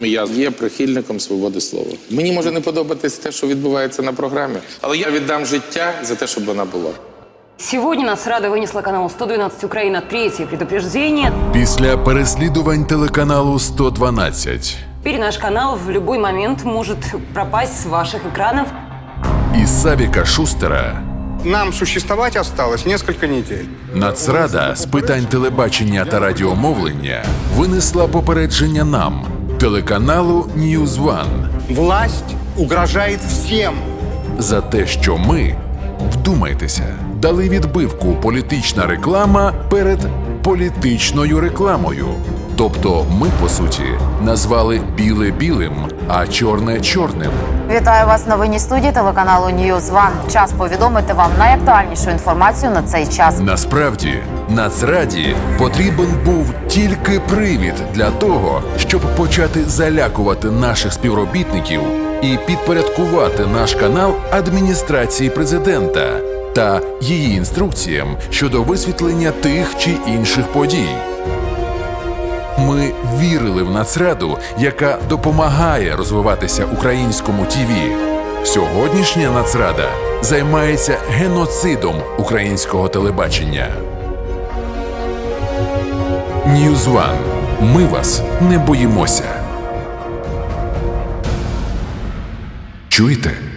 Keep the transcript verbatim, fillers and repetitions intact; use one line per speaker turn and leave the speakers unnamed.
Я є прихильником свободи слова. Мені може не подобатись те, що відбувається на програмі, але я віддам життя за те, щоб вона була.
Сегодня Нацрада вынесла каналу сто двенадцать Украина третье предупреждение.
Після переслідувань телеканалу сто дванадцять
Теперь наш канал в любой момент может пропасть с ваших экранов.
і Савіка Шустера
Нам существовать осталось несколько недель.
Нацрада з питань телебачення та радіомовлення винесла попередження нам, телеканалу Ньюз Ван,
Власть угрожает всем.
за те, що ми, вдумайтеся, дали відбивку політична реклама перед політичною рекламою. Тобто ми, по суті, назвали біле білим, а чорне чорним.
Вітаю вас в новинній студії телеканалу Ньюз Ван. Час повідомити вам найактуальнішу інформацію на цей час.
Насправді, Нацраді потрібен був тільки привід для того, щоб почати залякувати наших співробітників і підпорядкувати наш канал адміністрації президента та її інструкціям щодо висвітлення тих чи інших подій. Ми вірили в Нацраду, яка допомагає розвиватися українському ТІВІ. Сьогоднішня Нацрада займається геноцидом українського телебачення. Ньюз Ван. Ми вас не боїмося. Чуєте?